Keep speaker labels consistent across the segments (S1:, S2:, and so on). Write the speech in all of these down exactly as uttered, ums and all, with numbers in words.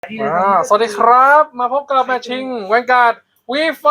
S1: อ่าสวัสดีครับ มาพบกับแมทชิงแวนการ์ดวีไฟ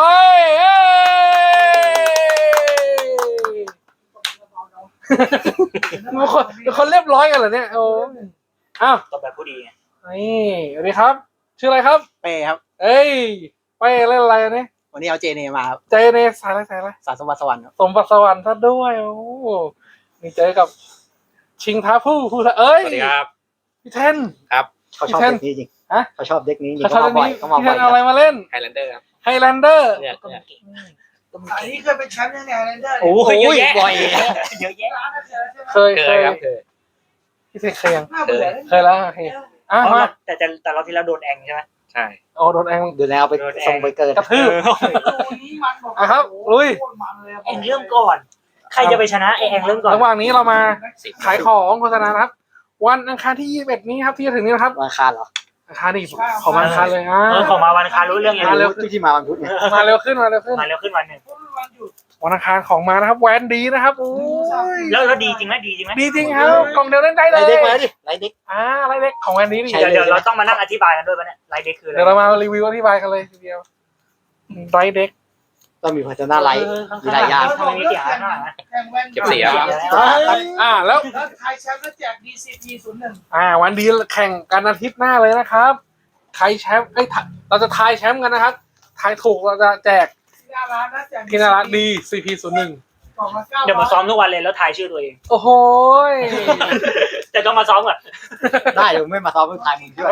S1: มีคนมีคนเรียบร้อยกันเหรอเนี่ยโอ้อ้าว
S2: ตอบแบบผู้ดีไง
S1: นี่สวัสดีครับ ชื่ออะไรครับ
S3: เป้ครับ
S1: เอ้ยไปเล่นอะไรอันนี้
S3: วันนี้เอาเจเนมาครับ
S1: เจเนสายอะไรสายอะไร
S3: สารสมบัติสวรรค์ครับ
S1: สมบัติสวรรค์ซะด้วยโอ้นี่เจอกับชิงท้าผู้ผู้เอ้ย
S2: สวัสดีครับ
S1: พี่เทน
S2: ครับ
S3: เขาชอบ
S1: พี่
S3: เด็
S1: เทน
S3: กนี้จริง
S1: ฮะ
S3: เขาชอบเด็กนี้จริง
S1: เขาชอบ
S3: เขามาบ่อย
S1: นี้
S3: เขามา
S1: พี่เท
S3: บ่อย
S1: นเอาอะไรมาเล่น
S2: ไฮแลนเดอร์ครับ
S1: ไฮแลนเดอร์
S2: เนี่ยเนี่ย
S4: อันนี้เคยเป็นแชมป์ยังไงเลยเด้อ
S2: โอ้โหเยอะแยะ
S3: บ่อย
S2: เยอะแยะ
S4: ร้านนั้นเจอใช่ไหม
S1: เคย
S2: เค
S1: เค
S2: ย
S1: ย
S2: ครับเคย
S1: พี่เทนเคยยัง
S4: น่าเบื่อ
S1: เคยแล้วโอเคอ่ะมา
S2: แต่แต่แต่เราที่เราโดนแองใช่ไหมใช่
S1: โอ้โดนแอง
S3: ดูแลเอาไปส่งไปเกิด
S1: กระทืบ
S4: ดูนี้มันบอก
S1: อ่ะครับลุย
S2: แองเริ่มก่อน ใครจะไปชนะไอแองเริ่มก่อน
S1: ระหว่างนี้เรามาขายของโฆษณานะครับ วันอังคารที่ยี่สิบเอ็ดนี้ครับที่จะถึงนี้นะครับ
S3: วันอังคารเหรอ
S1: อังคารนี่ของวันอังคารเลยอ่ะ
S2: เออของมาวันอังคารรู้เรื่องยัง
S1: มาเร็ว
S3: ทุกที่มาวันพุธเนี่ย
S1: มาเร็วขึ้นมาเร็วขึ้น
S2: มาเร็วขึ้นวันหนึ่ง
S4: วันหยุด
S1: วันอังคารของมานะครับแวนดีนะครับโอ้ย
S2: แล้วแล้วดีจริงไหมดีจริงไหม
S1: ดีจริงครับกล่องเดียวเล่นได้เล
S3: ไล่
S1: ย
S3: เด็กมาดิไล่เด็ก
S1: อ่าอะไรเด็กของแวนดีนี่
S3: ใช่
S2: เดี๋ยวเดี๋ยวเราต้องมานั่งอธิบายกันด้วยปะเนี่ยไลน์เด็กคืออะไร
S1: เดี๋ยวเรามารีวิวอธิบายกันเลยทีเดียวไรเด็ก
S3: ต้องมีพัฒนาไลท์มีหลายอย่าง
S2: ทำไมมีเสียงหน่อยนะ
S4: แข่งแว่น
S2: เก็บเสีย
S1: อ่าแล้ว
S4: แล้วใครแชมป์แล้วแจก ดี ซี พี ศูนย์หนึ่ง
S1: อ่าวันดีแข่งกันอาทิตย์หน้าเลยนะครับใครแชมป์เอ้ยเราจะทายแชมป์กันนะครับทายถูกเราจะแจก
S4: ที่หน้าร้านนะแจก
S1: ที่น่ารักดี ซี พี ศูนย์หนึ่ง
S4: กล่องละเก้า
S2: เดี๋ยวมาซ้อมทุกวันเลยแล้วทายชื่อตัวเอง
S1: โอ้โหย
S2: แต่ต้องมาซ้อมก่อน
S3: ได้เดี๋ยวไม่มาซ้อมไม่ทายมึงด้วย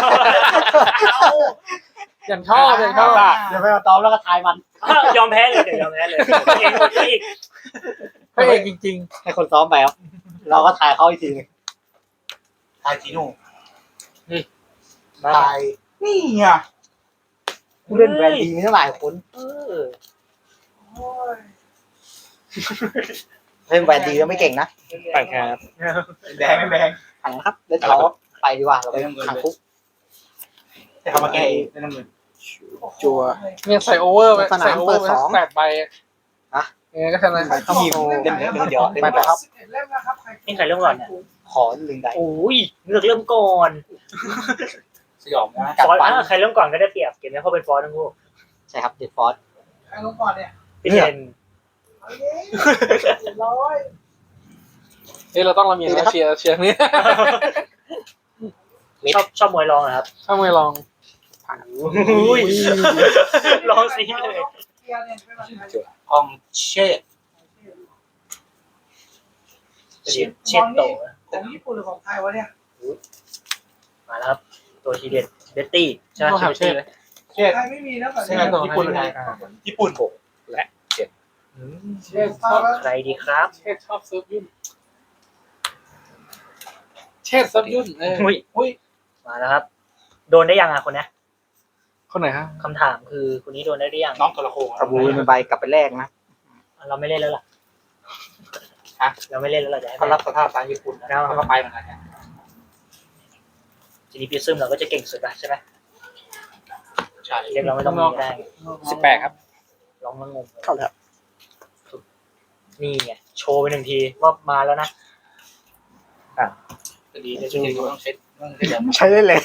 S1: อย่างชอบอย่างชอบ
S3: เดี๋ยวไม่มาซ้อมแล้วก็ทายมัน
S2: ยอมแพ้เลยเดี๋ยวยอมแพ้เลยเองหมดอีก
S1: พระเอกจริง
S3: ให้คนซ้อมไปครับเราก็ทายเขาอีกทีนึงทายจีโน่ทายนี่ไงผู้เล่นแบรนด์ดีมีเท่าไหร่คน
S2: เออ
S4: โอ้ย
S3: เล่นแบรนด์ดีแล้วไม่เก่งนะ
S2: ไปครับ
S3: แดงแดงหันครับเล่นเขาไปดีกว่าเราไปขังคุกแต่เขามาแก้เองไม่ต้องเงินจัว
S1: ๆเนี่ยใส่โอเวอร์ไป
S3: สนาม
S1: ใส่โอเวอร์
S3: เปิดสอง
S1: แปดใบ
S3: ฮะ
S1: ยังไงก็ชนะ
S3: เขามีเล่นเล่นเดียวเล่น
S1: ไป
S3: ไป
S1: ครับ
S4: สิบเอ็ดเล่มนะครับ
S2: นี่ใครเริ่มก่อนเนี่ย
S3: ขอหนึ่งใด
S2: โอ้ยเลือกเริ่มก่อน
S3: สยองนะ
S2: ฟอสอ่ะใครเริ่มก่อนก็ได้เปรียบเกมนี้เพราะเป็นฟอสทั้งคู่
S3: ใช่ครับเดดฟอร์ด
S4: ใครลงก่อนเนี่ย
S2: พี่เทน
S4: เอาเย้เจ็ดร้อย
S1: เฮ้ยเราต้องละเมียดนะเชียร์เชียร์นี่
S2: ชอบชอบมวยรองเหรอครับ
S1: ถ้าไม่ลอง
S2: อุ้ยลองซีเลย
S4: เกียร์เนี่ยเป็นแบบไหน
S3: อองเช่
S2: เช็ดเช็ดโต
S4: ของญี่ปุ่นหรือของไทยวะเนี่ย
S2: มาแล้วครับตัวทีเด็ดเบตตี้ใช่ไหม
S1: ต้องหาเช่เลย
S3: เช่
S4: ไทยไม่มีนะแบบ
S3: ใช่
S4: นี้
S3: ไหมญี่ปุ่นหรือไทยญี่ปุ่นหก
S2: อืม
S1: เช่ชอบ
S2: ใครดีครับ
S1: เช่ชอบเซิร์ฟยุ่นเช่เซิร์ฟยุ่นเออ
S2: อุ้ย
S1: อุ้ย
S2: มาแล้วครับ โดนได้ยังอ่ะคนเนี้ย
S1: คนไหนฮะ
S2: คำถามคือคนนี้โดนได้หรือยัง
S3: น้องกระโคกระบูเป็นใบกลับไปแรกนะ
S2: เราไม่เล่นแล้วล่ะ
S3: ฮะ
S2: เราไม่เล่นแล้วเราจะให้
S3: เขารับสภาพตามญี่ปุ่นแล้วเขาก็ไปเหมือนกันเนี่ย
S2: จีนีพีซึมเราก็จะเก่งสุดละใช่ไหม
S3: ใช่
S2: เรียกเราไม่ต้องมีก็ได้
S3: สิบแปดครับ
S2: ลองมางง
S3: เข้าแล้ว
S2: นี่ไงโชว์ไปหนึ่งทีว่ามาแล้วนะ
S3: ดีในช่วงนี้ต้องเช็ดใช้ได้เลย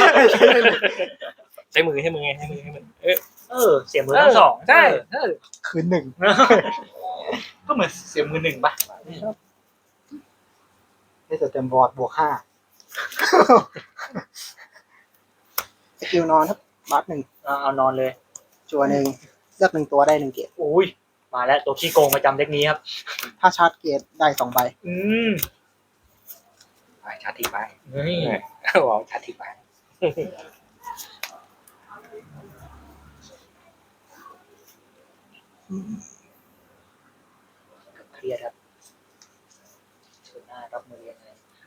S2: ใช้มือให้มือไงให้มือให้มือเออเออเสียมือทั้งสอง
S1: ใช่
S2: เออ
S3: คืนหนึ่งก็เหมือนเสียมือหนึ่งป่ะให้สเต็มบอร์ดบวกห้าสกิลนอนครับบัฟหนึ่ง
S2: เอาเอานอนเลย
S3: จัวหนึ่งเลือกหนึ่งตัวได้หนึ่งเกียร์
S2: อุ้ยมาแล้วตัวขี้โกงประจำเด็กนี้ครับ
S3: ถ้าชาร์จเกียร์ได้สองใบ
S2: อืม
S3: ไปชาร์จทิ้งไป
S2: นี่
S3: ว้าวชาร์จทิ้งไป
S2: เครียดครับเชิญหน้ารับมือยังไง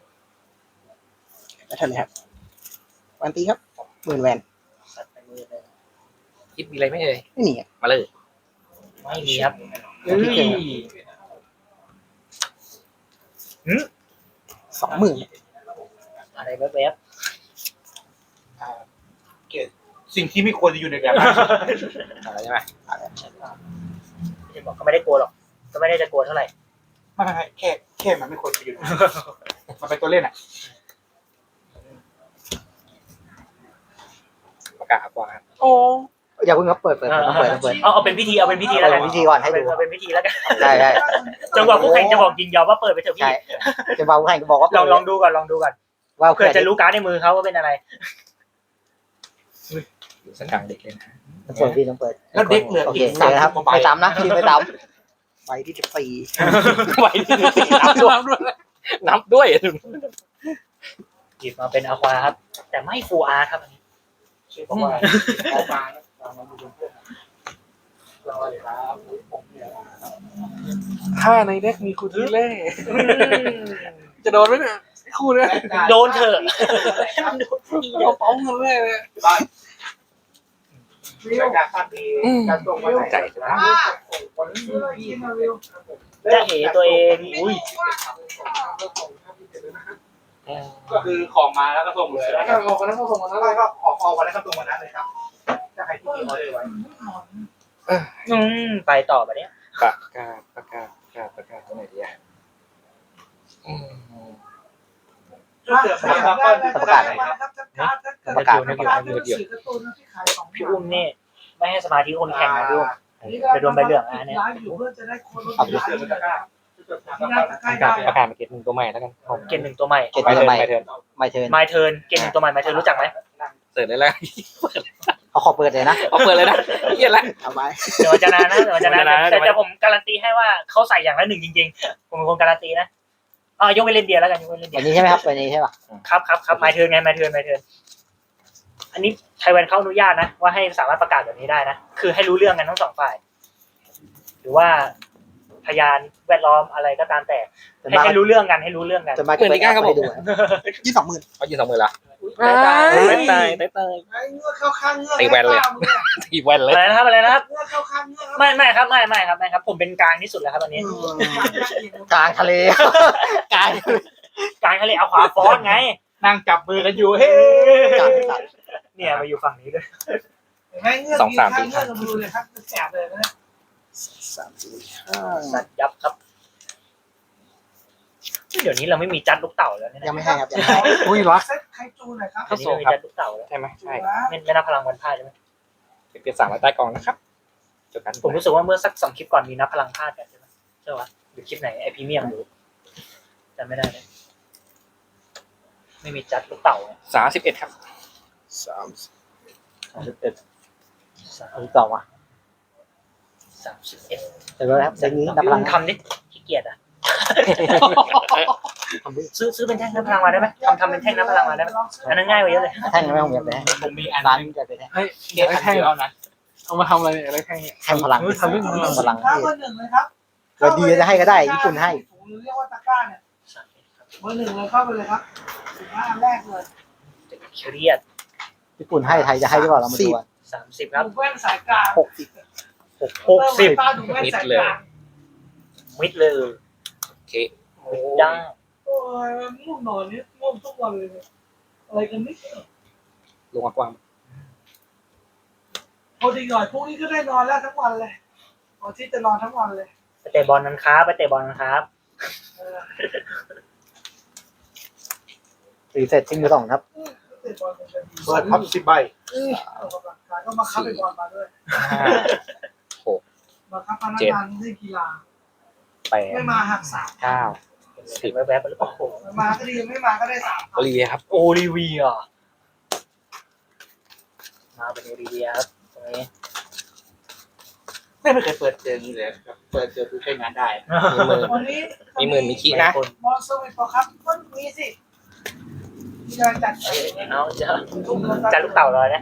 S3: แล้วทันเลยครับวันตีครับหมื่นแวน
S2: สัตว์ในมือเลย
S1: คิดมีอะไรไหมเอ่ย
S3: ไม่หนี
S1: มาเลย
S2: ไม่มีครับ
S3: เฮ้ย สองหมื่น
S2: อะไรแวบ
S3: สิ่งที่ไม่ควรจะอยู่ในแบบนั้นอะไรใช่ไหม
S2: ๆที่บอกก็ไม่ได้กลัวหรอก ก็ไม่ได้จะกลัวเท่าไหร่
S3: ไม่ไม่แค่แค่มันไม่ควรจะอยู่มันเป็นตัวเล่นอ่ะ
S5: ประกาศกว่าครับ
S1: โอ้
S3: อย่าเพิ่งครับเปิดเปิดต้องเปิดต้องเปิด
S2: เอาเอาเป็นพิธีเอาเป็นพิธีแล้วกัน
S3: เอาเป็นพิธีก่อนให้ดู
S2: เอาเป็นพิธีแล้วกัน
S3: ใช่ใช่
S2: จนกว่าผู้แข่งจะบอกยินยอมว่าเปิดไปเถอะ
S3: ใช่
S2: พี่
S3: จะบอกให้ก็บอกว่า
S2: ลองลองดูก่อนลองดูก่อน
S3: ว่า
S2: เพื่อจะรู้การ์ดในมือเขาว่าเป็นอะไร
S5: อยู่สักกลางเด็กเลยนะ
S3: ต้องเปิดพี่ต้องเปิด
S1: แล้วเด็กเหลือ
S3: โอ
S1: อี
S3: เค
S1: ก
S3: เจ
S1: สาม
S3: อครับ
S1: กว่าใบ
S3: ไม่ซ้ำนะทีไม่ซ้ำใบที่สิบสี่
S5: ไหวที่นับด้วยนับด้วย
S2: หยิบมาเป็นอะควาครับ แต่ไม่ฟูอาร์ครับอันนี้
S1: ชื่อเพราะว่าออกมาเรามาดูเพื่อนรอเลยครับผมเนี่ยถ้าในเด็กมีคูทิเล่จะโดนไหมเนี่ยคู่เนี่ย
S2: โดนเถอะให้มันโดนทีเดียว
S1: เราป้องกันเลยเลย
S4: วิว
S1: การการดีการตรงมาใจนะ
S4: วันนี้เรากินมาวิว
S2: จะเหตัวเองอุ้ย
S1: ก็คือของมาแล้วก็ส่งเลยแล้วก็ออกกันแล้วก็ส่งมาแล้วก็ออกออกวันแล้วก็ส่งวันนั้นเลยครับจะใครที่ออเดอร์ไว้
S2: อืมไปต่อแบบนี้ย
S5: ประกาศประกาศประกาศประกาศตัวไหนดีอ่ะ
S3: ประกาศ
S2: ประกาศประกาศพี่อุ้มนี่ไม่ให้สมาธิคนแข่งนะพี่อุ้มไปโดนใบเหลืองอ่ะเนี่ย
S5: ประกาศประกาศมาเก็ตหนึ่งตัวใหม่แล้วกันผม
S2: เกณฑ์หนึ่งตัวใหม่
S3: เก็บ
S5: ไป
S3: ไป
S5: เทิ
S3: ทำ
S5: ร์น
S3: ไม
S5: ไปเทิร์น
S3: ไม่เทิร์น
S2: My Turn เกณฑ์หนึ่งตัวใหม่ My Turn รู้จักไหม
S5: เสิร์ฟได้แล้ว
S3: เขาขอเปิดเลยนะ
S5: เอาเปิดเลยนะเยี่ยละ
S3: เอาไว้
S2: เดี๋ยวมันจะนานนะเดี๋ยวมันจะนาน
S5: เดี๋ยวมันจะนาน
S2: แต่แต่ผมการันตีให้ว่าเขาใส่อย่างละหนึ่งจริงๆผมเป็นคนการันตีนะอ่ายกเว้นเล่นเดียแล้วกันยกเว้นเล่นเดี
S3: อั
S2: ย
S3: นนี้ใช่ไหมครับอันนี้ใช่ป่ะ
S2: ครับครับครับ My Turn ไง My Turn My Turn อันนี้ไทยแวนเขาอนุญาตนะว่าให้สามารถประกาศแบบนี้ได้นะคือให้รู้เรื่องกันทั้งสองฝ่าย หรือว่าพยานแวดล้อมอะไรก็ตามแต่ให้ให้รู้เรื่องกันให้รู้เรื่องกัน
S3: จะมาเปิดให้ดูยี่สองหมื่น
S5: เขายืนสองมือละ
S2: ได้ได้
S5: เต้ยเต้ยเต้ยเต้ย
S4: เงือกเข้าข้างเงือก
S5: ตีแวนเลย ตีแวนเลย
S2: อะไรนะครับอะไรนะครับ
S4: เงือกเข้าข้างเงือก
S2: ไม่ไม่ครับไม่ไม่ครับไม่ครับ ผมเป็นกลางที่สุดแล้วครับตอนนี้
S3: กลางทะเลกลาง
S2: กลางทะเลเอาขวาฟอนไง
S1: นั่งจับมือกันอยู่เฮ้
S3: กลางกลาง
S2: เนี่ยมาอยู่ฝั่งนี้ด้วย
S4: แม่เงือกมีข้างเงือกมาดูเลยครับแสบเลยนะ
S5: สามสี่
S2: สัตว์ยับครับเดี๋ยวนี้เราไม่มีจัดลูกเต่าแล้วเนี่ย
S3: ยังไม่ให้ครับยังไม่ให้
S1: อุ้ยรัก
S4: เซ็ตไคจูหน่อยครับ
S2: เดี๋ยวนี้ไม่มีจัดลูกเต่าแล้ว
S5: ใช่ไหมใช่
S2: ไม่ไม่นับพลังวันพ่ายใช่ไหม
S5: เก็บสามไว้ใต้กองนะครับจบกัน
S2: ผมรู้สึกว่าเมื่อสักสองคลิปก่อนมีนับพลังพลาดกันใช่ไหมใช่ปะหรือคลิปไหนไอพรีเมียมหรือจำไม่ได้เลยไม่มีจัดลูกเต่าเนี่ย
S5: สามสิบเอ็ดครับสาม
S3: สามสิบเอ็ด
S2: สาม
S3: เอาต่อมา
S2: สามสิบเอ็ด
S3: เดี๋ยวครับเดี๋ยวนี้นับพลัง
S2: ทำดิขี้เกียจอ่ะซื้อซื้อเป็นแท่งนับพลังมาได้ไหมทำทำเป็นแท่งนับพลังมาได้ไหมอันนั้นง่ายกว่าเยอะเลย
S3: แท่งไม่ผมอยากได้
S1: ผมมีอัน
S3: ร้าน
S1: นึง
S3: จะเป็นแท่ง
S1: เฮ้ยเดี๋ยวแท่งเอานะเอามาทำอะไรเนี่ยอะไรแท่งเนี่ย
S3: แท่งพลัง
S1: ทำเรื่องนี้
S3: พลัง
S4: ถ้า
S3: ที่
S4: เบอร์หนึ่งเลยครับ
S3: เราดีจะให้ก็ได้ญี่ปุ่นให้
S4: หรือเรียกว่าตะกร้าเนี่ยเบอร์หนึ่งเลยเข้าไปเลยครับสิบห้าแรกเลย
S2: เครียด
S3: ญี่ปุ่นให้ไทยจะให้หรือเปล่าเรามาดูกัน
S2: สามสิบครับ
S4: ดูแว่นสายกลาง
S3: หกสิบ
S2: หกสิบ
S4: ตาดูแว่นสายกลาง
S2: มิดเลย
S5: โอเค
S2: มิดได้
S4: โอ้ยง่วงนอนนี่ง่วงทุกวันเลยอะไรกันนี่
S5: ลงมากว้าง
S4: พอดีหน่อยพรุ่งนี้ก็ได้นอนแล้วทั้งวันเลยวันที่จะนอนทั้งวันเลย
S2: ไปเตะบอลนั้นครับไปเตะบอลนั้นครับ
S4: เออ
S3: รีเซ็ตทิ้งมือสองครับ
S4: เตะบอลเป็นดี
S1: เปิดพับสิบใบ
S4: ออกกำลังกายก็มาคับไปบอลมาด้วย
S5: ห้าหก
S4: มาคับพนักงานเล่นกีฬา
S5: แปด
S4: ไม่มาหักสาม
S5: เก้า
S2: สิบแวบๆไปหรือเปล่า
S4: มาก็ดีไม่มาก็ได้สาม
S5: โอลิเวียครับ
S2: โอลิเวียมาเป็นโอลิเวียครับตรงนี้
S1: ไม่เคยเปิดเจอนี้เลยครับเปิดเจอคือใช้งานได้
S5: มีหมื่น
S4: วันนี้
S5: มีหมื่นมีขี้นะ
S2: คน
S4: บอลสวิตปะครับก็มีสิมีการจัด
S2: เอ้ยเอาจะจะลูกเต่าเลยนะ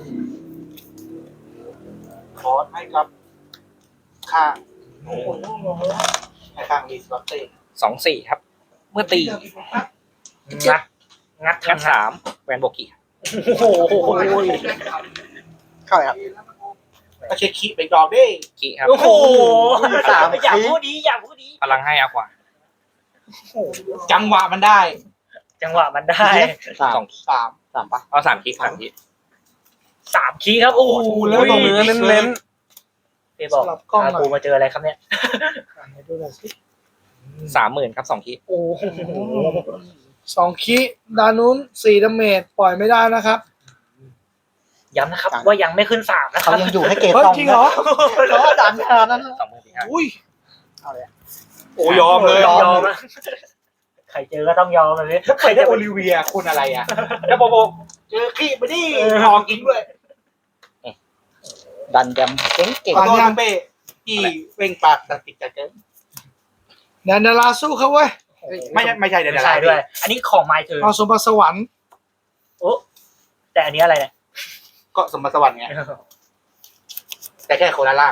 S1: คอร์สให้ครับข้าง
S4: โอ้โห
S1: ให้ข้างรีสอร์ทเต้
S5: สองสี่ครับ เมื่อตี
S2: งัดงัด
S5: งัด
S2: ทำ
S5: สามแวนโบกี้
S2: โอ้โห
S3: เข้าเลยครับ
S1: ก็เช็คคีไปดอกได้
S5: กี้ครับ
S2: โอ้โห
S3: สาม
S2: อย่าพูดดีอย่าพูดดี
S5: พลังให้อากว่า
S1: จังหวะมันได้
S2: จังหวะมันได้
S3: สาม
S5: สอง
S1: สาม
S3: สามปะ
S5: เอาสามกี้สามกี้
S2: สามคีย์ครับโอ้โห
S1: แล้วตรงเนื้อเน้น
S2: เปบอกอากูมาเจออะไรครับเนี่ย
S5: สามหมื่นครับสองกี้
S2: โอ้โห
S4: สองคิดานนู้นสี่ดาเมจปล่อยไม่ได้นะครับ
S2: ย้ำนะครับว่ายังไม่ขึ้นสามนะค
S3: เขา
S2: รับ
S3: ยังอยู่ให้เกรด
S4: เฮ้ย
S3: สอง
S4: จริงเหรอ
S3: เพราะว่าดันขนาดนั้น
S5: สองหมื่นสี่ห้า
S4: อุ้ย
S3: เอาเลย
S1: โอ้ยอมเลย
S2: ยอมนะใครเจอก็ต้องยอมเลย
S1: ใครได้โอลิเวียคุณอะไรอ่ะแล้วบอกบอกเจอขี้ไปดิทองกินด้วย
S3: ดันแดมเก่งเก่ง
S1: ขอโทษนะเป้ที่เว่งปากตัดติดจากเกิน
S4: แดนดาราสู้เขาเว้ย
S1: ไม่ใช่ไม่ใช่เดี๋ยว
S2: ไม่
S1: เดี๋ยว
S2: ใช่ด้วย อันนี้ของไมเธอ
S4: เอาสมบัติสวรรค์
S2: โอ้แต่อันนี้อะไรเนี่ย
S1: ก็สมบัติสวรรค์ไงแต่แค่คนละล่าง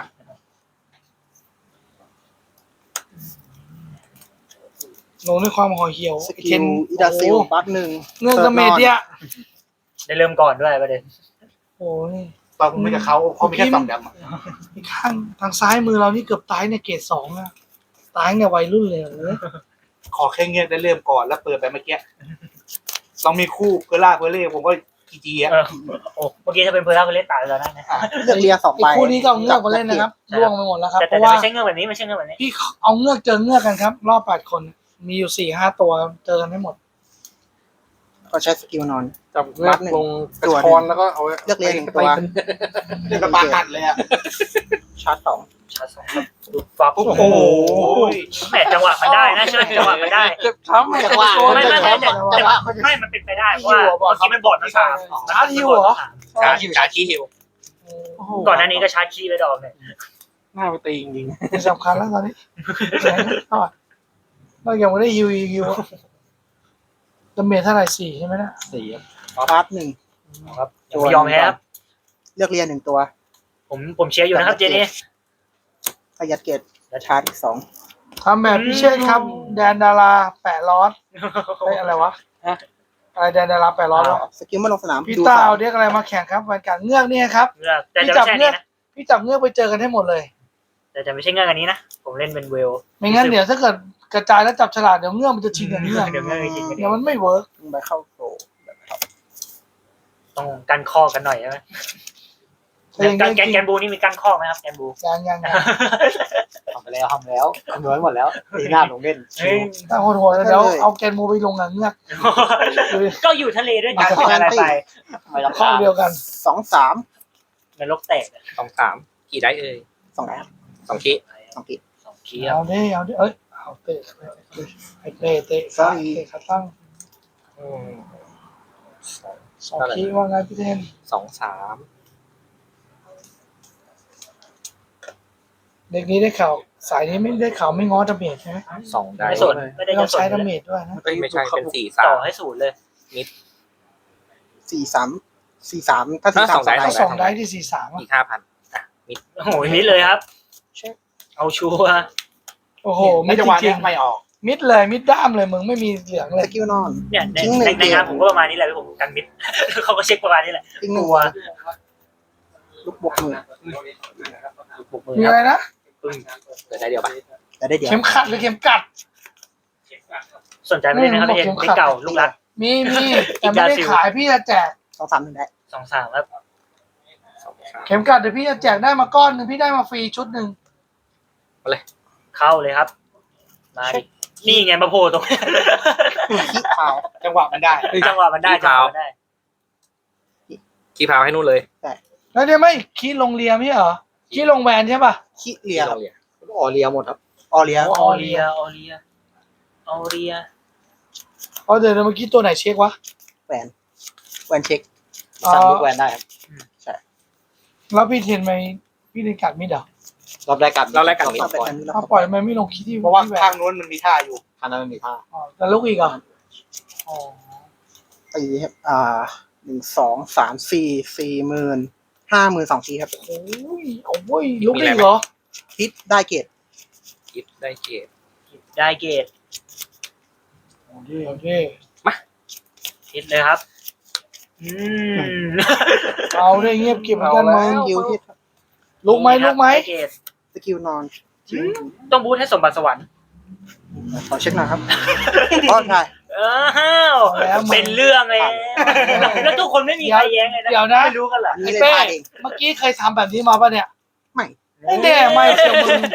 S4: ลงด้วยความห่อเหี่ยว
S3: สกิลอิดาซิลบัคหนึ่ง
S4: เรื่องกระเมดเนี่ย
S2: ได้เริ่มก่อนด้วยประเด็น
S4: โอ้ย
S1: ตอนผมไม่กับเขาเขามีแค่สองดำอะ
S4: อีกข้างทางซ้ายมือเรานี่เกือบตายในเกรดสองอะตายในวัยรุ่นเลยเหรอ
S1: ขอแค่เงี้ยได้เริ่มก่อนแล้วเปิดไปเมื่อกี้ลองมีคู่เพอร์ล่าเพอร์เล่ผมก็จีจีอ่ะ
S2: เออโอ้เมื่อกี้ถ้าเป็นเพอร์ล่าเพอร์เล่ตายไปแล้วนะเนี่ย
S3: เลือกเรียสอง
S4: ไอ้
S3: ใบ
S4: คู่นี้ก็เอาเงือกมาเล่นนะครับล่วงไปหมดแล้วครับ
S2: แต่
S4: เพ
S2: แต่
S4: ราะว่า
S2: ไม่ใช่เงื่อนแบบนี้ไม่ใช่เงื่อนแบบนี้
S4: พี่เอาเงือกเจอเงือกกันครับ รอบแปดคน มีอยู่สี่ห้าตัวเจอกันไม่หมด
S3: ก็ใช้สกิลนอน
S5: จับเลือกลงกระชอนแล้วก็เอาไว้
S3: เลือกเรียนหนึ่งตัว
S1: เดี๋ยวก็ปากัดเลยอ่ะ
S3: ชาร์จสอง
S2: ชาร์จสองครับดูฟับ
S1: โอ้โห
S2: แหมจังหวะมันได้นะใช่ไหมจังหวะมันได้
S5: เจ็บช้ำไม่
S3: จังหวะ
S2: ไม่ไม่ไม่แต่แต่ว่าไม่มันเป็นไปได้เพราะว่าเมื่อกี้มันบอดมาสาม
S4: ชาร์จฮิวเหรอ
S1: ชาร์จชาร์จคีฮิว
S2: ก่อนหน้านี้ก็ชาร์จคีย์ไปดอกเนี่ย
S5: หน้าไปตีจริง
S4: ไม่สำคัญแล้วตอนนี้เรายังไม่ได้ฮิวอีกฮิวดาเมจเท่าไหร่สี่ใช่ไหมนะ
S3: สี่ชาร์จหนึ่ง
S2: ครับอย่าไปยอมแพ้ครับ
S3: เลือกเรียนหนึ่งตัว
S2: ผมผมเชียร์อยู่นะครับเจนี่
S3: ขยัดเกตและชาร์จอีกสอง
S4: ทำแบบพิเชษครับ แดนดาราแปะร้อนเฮ้ยอะไรวะอะไรแดนดาราแปะร้อนวะ
S3: สกิลเมื่อลงสนาม
S4: พี่
S3: ดู
S4: ตา
S3: สาม
S4: เอาเรียกอะไรมาแข่งครับวันการเงือกเนี่ยครับ
S2: เงือกแต่จะไม่ใช่อันนี้นะ
S4: พี่จับเงือกไปเจอกันให้หมดเลย
S2: แต่จะไม่ใช่เงือกอันนี้นะผมเล่นเป็นเวล
S4: ไม่งั้นเดี๋ยวถ้าเกิดกระจายแล้วจับฉลากเดี๋ยวเงือกมันจะชิงกับเงือก
S2: เดี๋ยวเงือกจริง
S4: เดี๋ยวมันไม่เวิร์ก
S3: ลงไปเข้าโกล
S2: ต้องกันข้อกันหน่อยใช่ไหมการแกนแกนบูนี่มีกันข้อไหมครับแกนบู
S4: ยังยังยัง
S3: ทำไปแล้วทำแล้วคำนวณหมดแล้วตีหน้าลงเล่น
S2: เฮ้ย
S4: ถ้าโหดหัวเดี๋ยวเอาแกนโมไปลงกับเงือก
S2: ก็อยู่ทะเลด้วยกันเป็นอะไรไป
S4: ข้อเดียวกัน
S3: สองสาม
S2: นรกแตก
S5: สองสามกี่ได้เอ่ย
S3: สองแอป
S5: สองคี
S3: สองกิ
S2: สองคีย์
S4: เอาดิเอาดิเอ้ยเอาเตะไอ้เตะเตะขาเตะขาตั้งสองคีว่าไงพี่เทน
S5: สองสาม
S4: เด็กนี้ได้ข่าวสายนี้ไม่ได้ข่าวไม่ง้อดาเมจใช่ไหม
S5: สองได้
S2: ไม่สนไม่ได้
S4: ไม่ต้
S2: จะ
S4: อง
S2: สน
S4: ใช้ดาเมจด้วยนะ
S5: เอ้ยไม่ใช่เป็นสี่สา
S2: ต่อ
S5: ม
S2: ให้ศูนย์เลย
S3: สี่สามสี่สามถ้าสี่
S5: อ่ะ
S3: สาม
S5: สองได้
S4: ถ้าสองได้ที่สี่สาม
S5: อีกห้าพันอ่ะมิด
S2: โอ้โหมิดเลยครับ เอาชัวร์
S4: โอ้โห
S1: ไม่
S4: มิด
S1: จัง
S4: จ
S1: หวะ
S4: ริ
S1: เนี้
S4: ง
S1: ยไม่ออก
S4: ๆมิดเลยมิดด้ามเลยมึงไม่มีเหลืองเล
S3: ส
S4: ย
S3: กิลนอน
S2: เนี่ยใน
S3: ทิ้งหนึ่ง
S2: ในในงาน
S3: เกม
S2: ผมก็ประมาณนี้แหละผมกันมิด เขาก็เช็คประมาณนี้แหละ
S3: ทิ้งหนึ่ง
S2: กลัว
S3: ลูกบวกมือ
S5: บุกมือ
S4: มี
S5: ค
S4: อะไร
S5: รับ
S4: นะ
S5: ปึ้งเกิดได้เดียวปะ
S3: แต่ได้เดียว
S4: เข็มขัดหรือเข็มกัด
S2: สนใจไม่ได้นะครับพี่เอ็นไม่เก่าลูกรัก
S4: มีมีแต่ไม่ได้ขายพี่จะแจก
S3: สองสามหนึ่งได้
S2: สองสามครับ
S5: สองสาม
S4: เข็มกัดเดี๋ยวพี่จะแจกได้มาก้อนหนึ่งพี่ได้มาฟรีชุดหนึ่ง
S2: เข้าเลยครับ มาดินี่ไงมาโผล่ตรงนี้
S3: ขี้ขาว
S1: จังหวะมันได้
S2: จังหวะมันได้จังหวะมันได้
S5: ขี้พาวให้นู่นเลย
S4: แล้วเนี่ยไม่คีดลงเรียมใช่เหรอคีดลงแวนใช่ป่ะ
S3: ขี้เลียครับ
S5: โรงเรียนออเรียหมดครับ
S3: ออเลีย
S2: ออเรียออเรียออเรีย
S4: เอาเดี๋ยวเมื่อกี้ตัวไหนเช็ควะ
S3: แหวนแหวนเช็ค
S4: อ๋อ
S3: สั่งลูกแหวนได้ครับ
S4: แล้วพี่เทนไหมพี่เทนกัดมิดเหรอ
S3: รอบแรกกัด
S5: รอบแรกกัดมิด
S3: รอบเป็นอันนี้แล้ว
S4: ถ้าปล่อยมันไม่ลงคีดที่
S1: เพราะว่า
S4: ที่แวน
S1: ข้างนู้นมันมีท่าอยู่
S3: ทางนั้นมันมีผ้า
S4: อ๋อแต่ลูกอีกเหรออ๋อ
S3: ตีครับอ่าหนึ่งสองสามสี่สี่หมื่นห้าหมื่นสองทีครับ
S4: โอ้ยโอ้ยลูกอีกเหรอ
S3: ฮิตได้เกต
S5: คิดได้เกต
S2: ได้เกต
S4: เอาดิเอาดิ
S2: ฮิตเลยครับ อืม
S4: เอาได้เงียบเก็บเหมือนกันมึง
S3: สกิลฮิต
S4: ลูกไหมลูกไหม
S2: ด้เกต
S3: สกิลนอนทิ้ง
S2: ต้องบูทให้สมบัติสวรรค์
S3: ขอเช็คหน่อยครับอ๋อใช่
S2: อ้าวเป็นเรื่องเลยแล้วทุกคนไม่มีใครแย้งเลยนะ
S4: เดี๋ยวนะ
S2: ไม่รู้กันเหรอ
S3: อันนี้เลยพลาดเอง
S4: เมื่อกี้เคยทำแบบนี้มาป่ะเนี่ย
S3: ไม่
S4: ไม่แน่ไม่เชียวมึง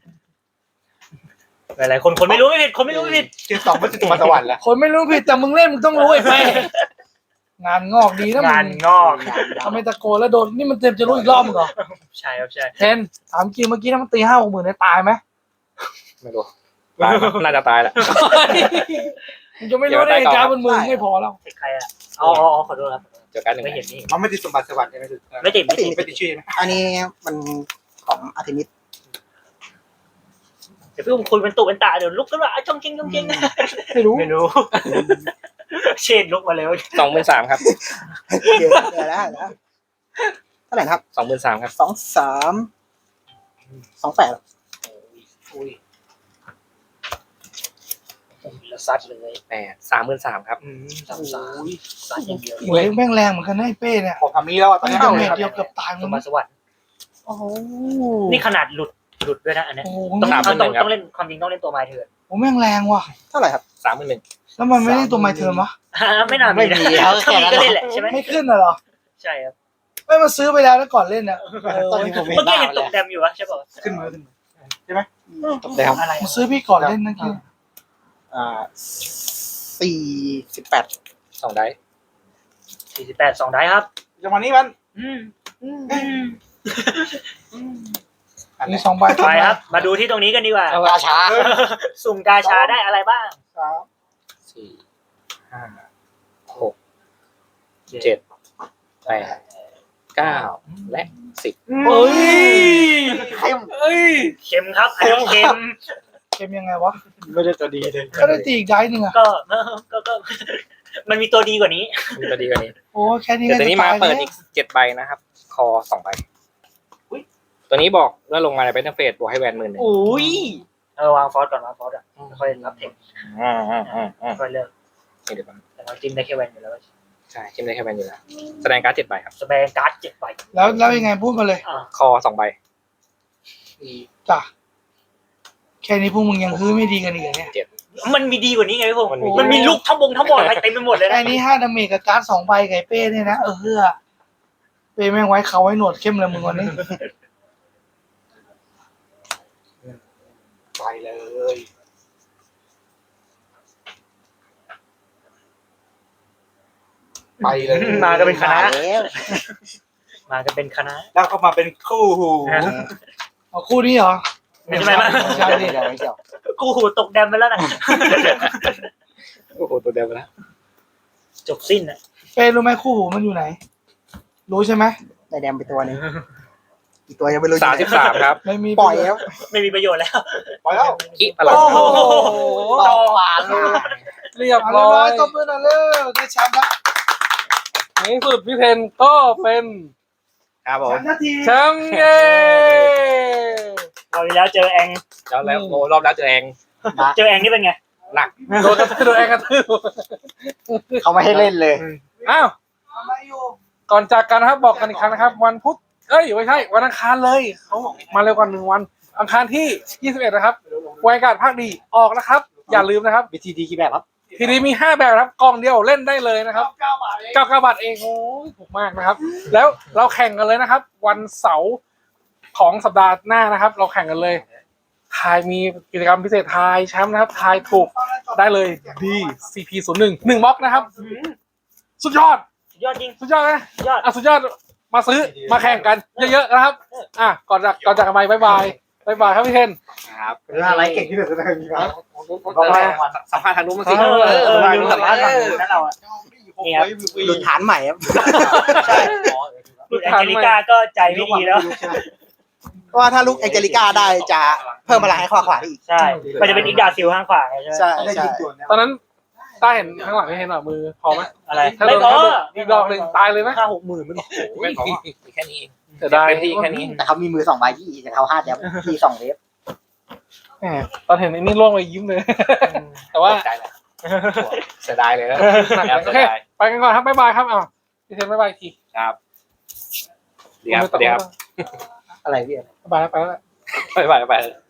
S2: หลายๆคนคนไม่รู้ไม่ผิดคนไม่รู้ไม่ผิด
S1: คือสองมันจะมาสวรรค์แล้ว
S4: คนไม่รู้ผิดแต่มึงเล่นมึงต้องรู้ไอ้เป้งานงอกดีนะมึ
S2: งานงอก
S4: ทำไมตะโกนแล้วโดนนี่มันเต็มจะรู้อีกรอบมึงเหรอ
S2: ใช่ครับใช่
S4: เทนถามจริงเมื่อกี้ถ้ามันตีห้าหกหมื่นเนี่ยตายไหม
S5: ไม่รู้ตายมั้ยน่าจะตายแล้ว
S4: มึงจะไม่รู้ได้ไงการบนมือไม่พอแล้ว
S2: เทคใครอ่ะอ๋ออ๋อขอโทษครับ
S5: เจอกันหนึ่ง
S2: ไม่เห็นนี่
S3: มันไม่ติดสมบัติสวัสดิ์ใช่ไหมคือ
S2: ไม่ติดไม่ติด
S3: ไม่ติดชื่อใช่ไหม
S6: อันนี้มันของอาร์เทมิส
S2: เดี๋ยวพี่อุ้มคุยเป็นตุเป็นตาเดี๋ยวลุกขึ้นมาจ้องจริงจ้องจริง
S4: ไม่รู้
S2: ไม่รู้ เชนลุกมาเลย
S5: สองหมื่นสามครับ
S6: เดี๋ยวเดี๋ยวนะเดี๋ยวนะเท่าไหร่นะครับ
S5: สองหมื่นสามครับ
S6: สองสามสองแปด
S2: อุ้ยแล้วซัดเลย
S5: แปดสามหมื่นสามครับ
S2: อืมสามสามซัดอย่างเดียว
S4: หวยแม่งแรงเหมือนกันนะไอ้เป้เนี่ย
S3: ของคำนี้แล้วตอน
S4: มัน
S3: นี้
S4: จะ
S3: เท่า
S4: เม
S3: ไหร่
S4: ต
S3: ครับ
S4: เดียวเกือบตาย
S2: ส
S4: มึง
S2: มบัติสวัสดิ์
S4: โอ้โห
S2: นี่ขนาดหลุดหลุดด้วยนะอันเนี้ย
S4: โอ้โห
S2: ต้อง
S5: สามหมื่
S2: ต้อง
S5: นหนึ่งครับ
S2: ต้องเล่นความจริงต้องเล่นตัวไม้เถื่อน
S4: โอ้แม่งแรงว่ะ
S6: เท่าไหร่ครับ
S5: สามหมื่นหนึ่ง
S4: แล้วมันไม่ได้ตัวไมเทิร์นวะ
S2: ไม่น่ามีนะถ้ามีก็เล่นแหละใช่ไหม
S4: ไม่ขึ้นน่ะเหรอ
S2: ใช่ครับ
S4: ไม่มาซื้อไปแล้วแล้วก่อนเล่นน่ะเออ
S6: ตอนนี้ผม
S2: เมื่อกี้เห็นตกแดมอยู่วะใช่ป่ะ
S3: ขึ้นมือขึ้นมือ
S6: ตกแล้ว
S2: อะไร
S4: มาซื้อพี่ก่อนเล่นนั่นคือ
S6: อ่าสี่สิบแปด
S5: สองได้
S2: สี่สิบแปดสองได้ครับ
S3: จังหวะนี้มัน
S2: อืม
S4: มีสองใบ
S2: ไปครับ มาดูที่ตรงนี้กันดีกว่า
S6: ราชา
S2: สุ่มกาชาได้อะไรบ้าง
S3: สาม
S5: สี่ห้าหกเจ็ดแปดเก้าและสิบ
S4: เฮ้ย
S6: เข้ม
S4: เฮ้ย
S2: เข็มครับอันนี้เข็ม
S4: เกมยังไงวะ
S3: ไม่ได้ตัวดีเลย
S4: ก็ได้ตีอีกได้หนึ่งอะ
S2: ก็ก็ก็ มันมีตัวดีกว่านี้
S5: มีตัวดีกว่านี้
S4: โอ้แค่นี้
S5: เดี๋ยว
S4: ก็
S5: ตัว
S4: จะ
S5: นี้
S4: ตาม
S5: าย เปิด
S4: แล้
S5: อี
S4: ว
S5: กเจ็ดใบนะครับ คอสองใบตัวนี้บอกว่าลงมาในเป็นเฟสบวกให้แวนหมื่นหนึ่ง
S2: อุ้ยเออวางฟอสก่อนวางฟอสอ่ะค่อยรับเทค
S5: อืมอืมอืมอืม
S2: ค่อยเลิก
S5: นี่เดี๋ยวก่อน
S2: แต่เราจิ้มได้แค่แวนอยู่แล้ว
S5: ใช่จิ้มได้แค่แวนอยู่แล้วแสดงการ์ดเจ็ดใบครับ
S2: สเปรย์การ์ดเจ็ดใบ
S4: แล้วแล้วยังไงพูดมาเลย
S2: อ่า
S5: คอสองใบ
S4: จ้ะแค่นี้พวกมึงยังคือไม่ดีกันอีกเหรอเนี่ย
S2: มันมีดีกว่านี้ไงพี่ผม
S5: มันมี
S2: มันมีลูกทั้งบงทั้งบอดอะไรเต็มไปหมดเลยนะ
S4: ไอ้นี่ห้าดาเมจกับการ์ดสองใบไก่เป้เนี่ยนะเออเฮือเป้แม่งไว้เขาไว้หนวดเข้มเลยมึงวันนี้
S3: ไปเลย ไปเลย
S2: มาก็เป็นคณะ
S6: แล้ว
S2: มาก็เป็นคณะ
S3: แล้วก็มาเป็นคู่หู
S4: เอาคู่นี้เหรอ
S2: ไม่ใช่ไหมมั้ย
S4: ใช่ดิ
S6: เดี๋ยวเดี๋ยว
S2: กูหูตกแดมไปแล้วนะ
S5: โอ้โหตัวเดียวไปแล้ว
S2: จบสิ้นอ่ะ
S4: เป้รู้ไหมคู่หูมันอยู่ไหน รู้ใช่ไหม
S6: ได้แดมไปตัวหนึงอีกตัวยังไม่รู้
S5: สามสิบสามครับ
S4: ไม่มี
S6: ปล่อยแล้ว
S2: ไม่มีประโยชน์แล้ว
S3: ไปแล้ว
S5: คิพลัง
S4: โอ้โห
S6: ต่อหวานเลย
S1: เรียบ
S4: เอา
S1: ร้
S4: เรียบร้
S1: อ
S4: อย
S1: ย
S4: ตบมือหน่อยเร็วได้แชมป์ละ
S1: ในที่สุดพี่เพนก็เป็น
S5: ครับผม
S4: แชมป์นาที
S1: แชมป์เย้
S2: เราที่แล้วเจอแอง
S5: แล้วแล้วโอ้รอบแล้วเจอเอง
S2: เจอแองนี่เป็นไง
S5: หนัก
S1: โดนกระทืบโดนแองกระทืบ
S6: เขาไม่ให้เล่นเลย
S1: อ้าว
S4: ทำไมอยู่
S1: ก่อนจากกันนะครับบอกกันอีกครั้งนะครับ วันพุธเอ้ยไม่ใช่วันอังคารเลยเขามาเร็วกว่าหนึ่งวัน อังคารที่ยี่สิบเอ็ดนะครับวายการ์ดภาคดีออกนะครับ อย่าลืมนะครับ
S6: บีทีดีกี่แบบครับ
S1: ทีนี้มีห้าแบบครับกล่องเดียวเล่นได้เลยนะครับ
S4: เก้าบาทเอง
S1: เก้าเก้าบาทเองโอ้ยถูกมากนะครับ แล้วเราแข่งกันเลยนะครับ วันเสาร์ของสัปดาห์หน้านะครับ เราแข่งกันเลยทายมีกิจกรรมพิเศษทายแชมป์นะครับทายถูกได้เลย D ซี พี ศูนย์หนึ่ง หนึ่งบล็อกนะครับ สุดยอด
S2: สุดยอดจริง
S1: สุดยอดนะ
S2: สุดยอด
S1: อ่ะสุดยอดมาซื้อมาแข่งกันเยอะๆนะครับ อ่ะก่อนจากก่อนจากกันไปบายบายบายบายครับพี่เทน
S5: ครับ
S3: เป็นอะไรเก่งที่สุดในมีครับ
S5: บอกอะไรสัมภาษณ์ทางนู้นมาสิ
S2: เออเออเออ
S5: เออ
S2: ลืมสัมภาษณ์ฝั่งนู้นนั่นเราอ่ะ นี่ครับ
S6: หลุดฐานใหม่ครับ
S2: ใช่ลูกแองเจลิก้าก็ใจไม่ดีแล้ว
S6: เพราะว่าถ้าลูกแองเจลิก้าได้จะเพิ่มพลังให้ข้อขวาได้อีก
S2: ใช่ มันจะเป็นอีกดาซิลข้างขวาไงใช่ไหม
S6: ใช่
S3: ได้
S6: ใช่
S3: ยิงจวน
S1: ตอนนั้นต้าเห็นข้างหลังพี่เทนหน่อยมือพอไหม
S2: อะไร
S1: ถ้า
S2: ไม่
S1: โดน
S2: พอ
S1: อีกดอกหนึ่งตายเลยไหม
S2: ห้าหกหมื่นมัน
S5: ไม่พอมีแค่นี้เอง
S1: เสียดาย
S5: เต็มที่แค่นี้
S6: แต่เขามีมือสองใบที่แต่เขาห้าแดมที่สองเวฟ
S1: แหมตอนเห็นไอ้นี่ล่วงไปยิ้มเลย แต่ว่า
S5: ตกใจเลยเสียดายเลยนะ
S1: หนัก
S5: แอบ
S1: โอ
S5: เสีย
S1: เค
S5: ดาย
S1: ไปกันก่อนครับบ๊ายบายครับอ้าวพี่เทนบ๊ายบายอีกที
S5: ครับเดี๋ยวเดี๋ยว
S6: อะไรพี่
S1: บ๊ายบายแล้วไปแล้ว
S5: ไปไปไป